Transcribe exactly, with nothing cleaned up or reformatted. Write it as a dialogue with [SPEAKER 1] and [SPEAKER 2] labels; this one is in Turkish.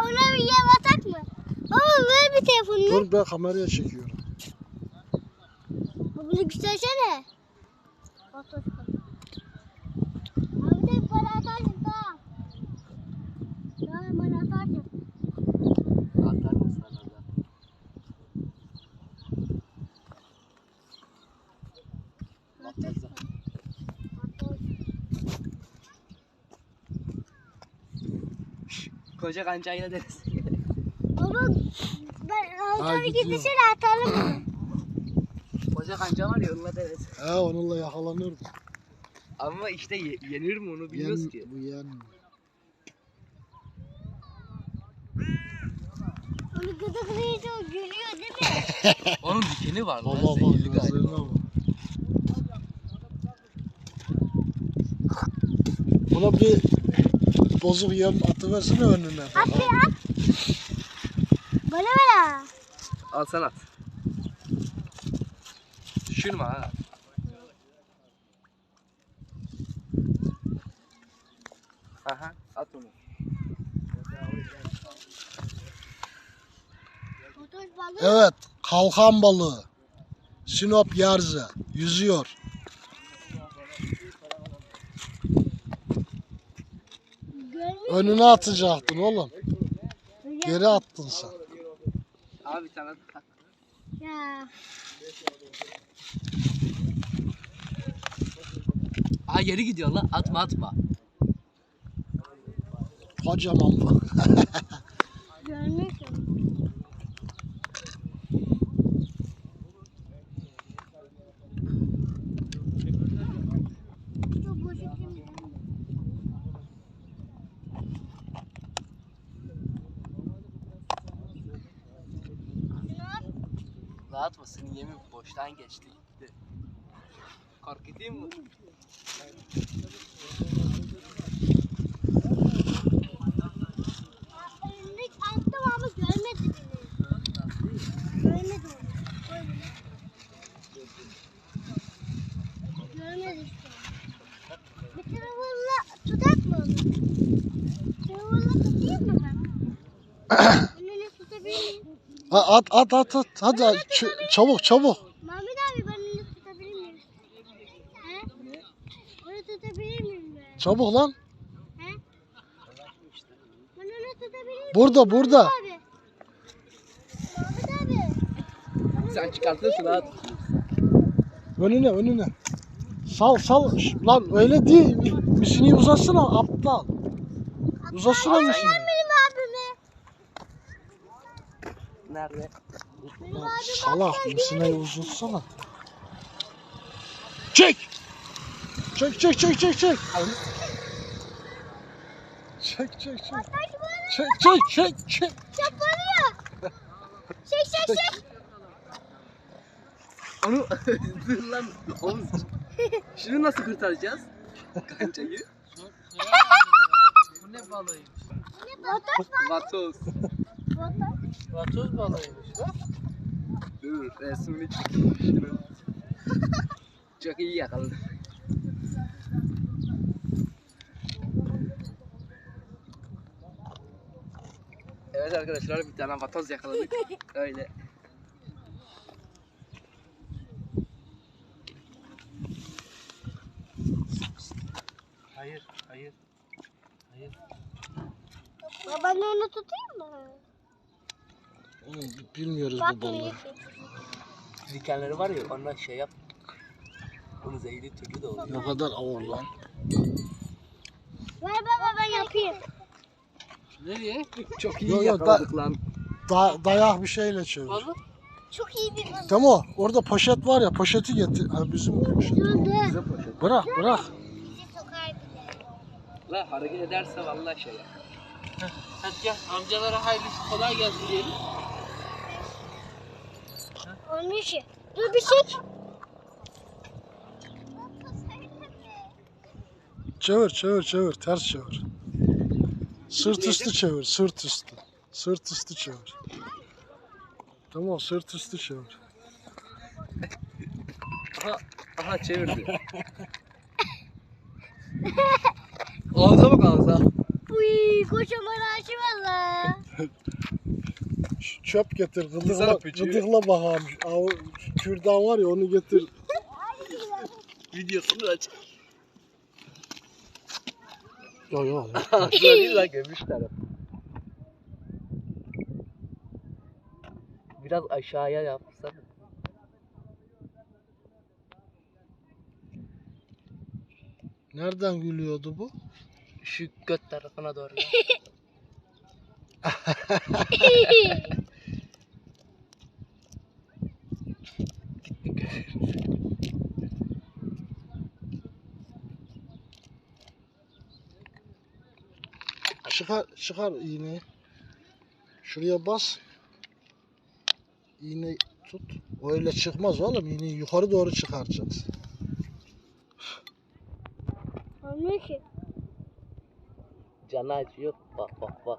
[SPEAKER 1] ona bir yem atak mı? Baba ver bir telefonunu.
[SPEAKER 2] Dur ben kameraya çekiyorum.
[SPEAKER 1] Bunu göstersene. Abi de bana atarsın tamam. Tamam bana atarsın.
[SPEAKER 3] Atarım sana da.
[SPEAKER 1] Atarsın.
[SPEAKER 3] Koca kancayla deriz.
[SPEAKER 1] Baba ben
[SPEAKER 2] Ha,
[SPEAKER 1] orada bir
[SPEAKER 2] gidiyor.
[SPEAKER 1] gidişine atalım mı?
[SPEAKER 3] Koca kanca var ya onunla deriz.
[SPEAKER 2] He onunla yakalanır.
[SPEAKER 3] Ama işte ye- yenir mi onu bilmiyoruz
[SPEAKER 2] Yen,
[SPEAKER 3] ki.
[SPEAKER 2] bu yenmiyor.
[SPEAKER 1] Onu gıdıklayınca o gülüyor değil mi?
[SPEAKER 3] Onun dikeni var lan.
[SPEAKER 2] Baba bak
[SPEAKER 3] Zehirli
[SPEAKER 2] gözlerine
[SPEAKER 3] galiba.
[SPEAKER 2] bak. Buna bir bozuk yem atıversene önüne.
[SPEAKER 1] At bir at. Bana ver ha.
[SPEAKER 3] Al sen at. Düşürme ha. Aha at onu.
[SPEAKER 1] Otoş balığı.
[SPEAKER 2] Evet, kalkan balığı. Sinop Yarze yüzüyor.
[SPEAKER 1] Görmüş.
[SPEAKER 2] Önüne atacaktın oğlum. Geri attın sen.
[SPEAKER 3] Abi sana at.
[SPEAKER 1] Ya.
[SPEAKER 3] Aa geri gidiyor lan. Atma atma.
[SPEAKER 2] Kocaman bak.
[SPEAKER 1] Görmüş. Çok boş ettim.
[SPEAKER 3] Rahat mısın? Yemin boştan geçti gitti. Korkutayım mı?
[SPEAKER 1] Önündeki attım ama görmedi beni. Görmedi onu. Görmedi işte. Bir telefonla tutak mı onu? Telefonla tutayım mı ben? Önüne tutabilir miyim?
[SPEAKER 2] Ha, at at at at. Hadi ç- çabuk çabuk.
[SPEAKER 1] Mahmut abi ben onu tutabilir miyim? He? Onu tutabilir miyim ben?
[SPEAKER 2] Çabuk lan.
[SPEAKER 1] He? Ben onu tutabilir miyim?
[SPEAKER 2] Burada burada.
[SPEAKER 1] Mahmut abi. Mahmut abi.
[SPEAKER 3] Sen çıkartırsın at.
[SPEAKER 2] Önüne önüne. Sal sal. Şş, lan öyle değil. Misini uzatsana aptal. Uzatsana
[SPEAKER 1] Sen
[SPEAKER 2] misini.
[SPEAKER 1] benim abimi.
[SPEAKER 3] Nerede?
[SPEAKER 1] Benim
[SPEAKER 2] Lan
[SPEAKER 1] abim
[SPEAKER 2] salak misine uzatsana. Çek. Çek çek çek çek çek. Çek çek çek.
[SPEAKER 1] Taş bana
[SPEAKER 2] Çek çek çek çek.
[SPEAKER 1] çaparıyor. Çek çek çek.
[SPEAKER 3] Onu dur lan. Oğlum. Şunu nasıl kurtaracağız? Kancayı. Bu ne balığıymış?
[SPEAKER 1] Vatoş var.
[SPEAKER 3] Vatoz.
[SPEAKER 1] Vatoş.
[SPEAKER 3] Vatoz balığıymış bak. Dur resmini çekeyim şunu. Çok iyi yakaladı. Evet arkadaşlar bir tane vatoz yakaladık. Öyle. Hayır, hayır. Hayır.
[SPEAKER 1] Babanı onu tutayım mı?
[SPEAKER 2] Oğlum bilmiyoruz
[SPEAKER 1] Bak
[SPEAKER 2] bu balığı.
[SPEAKER 1] niye?
[SPEAKER 3] Dikenleri var ya ondan şey yap. Onu zehirli türlü de oluyor.
[SPEAKER 2] Ne kadar ağır lan.
[SPEAKER 1] Ver baba ben yapayım.
[SPEAKER 3] Nereye? Çok iyi
[SPEAKER 2] Yo, yo,
[SPEAKER 3] yakaladık lan.
[SPEAKER 2] Da dayak bir şeyle çevir.
[SPEAKER 3] Balık.
[SPEAKER 1] Çok iyi bir balık.
[SPEAKER 2] Tamam orada poşet var ya poşeti getir. Ha, bizim poşet.
[SPEAKER 1] Dur dur.
[SPEAKER 3] Bize poşet.
[SPEAKER 2] Bırak bırak.
[SPEAKER 1] Bizi sokar bile.
[SPEAKER 3] La hareket ederse vallahi şey yap. Hadi gel amcalara hayırlı kolay gelsin diyelim.
[SPEAKER 1] Onun işi. Dur bir çek.
[SPEAKER 2] Çevir çevir çevir ters çevir. Sırt üstü çevir sırt üstü. Sırt üstü çevir. Tamam sırt üstü çevir.
[SPEAKER 3] Aha, aha çevirdi. Ağza bak ağza.
[SPEAKER 1] Uy kocaman ağaç valla.
[SPEAKER 2] Şu çöp getir, gıdıkla,
[SPEAKER 3] Güzel öpücüğü.
[SPEAKER 2] gıdıkla bakalım. Av, kürdan var ya onu getir.
[SPEAKER 3] Videosunu aç.
[SPEAKER 2] Yok yok.
[SPEAKER 3] Böyle la gömüş taraf. Biraz aşağıya yapsan.
[SPEAKER 2] Nereden gülüyordu bu?
[SPEAKER 3] Şu göt tarafına doğru. Ya.
[SPEAKER 2] Çıkar, çıkar iğneyi. Şuraya bas. İğneyi tut. Öyle çıkmaz oğlum. İğneyi yukarı doğru çıkaracaksın.
[SPEAKER 1] Olmuyor ki.
[SPEAKER 3] Canı acıyor. Bak bak bak.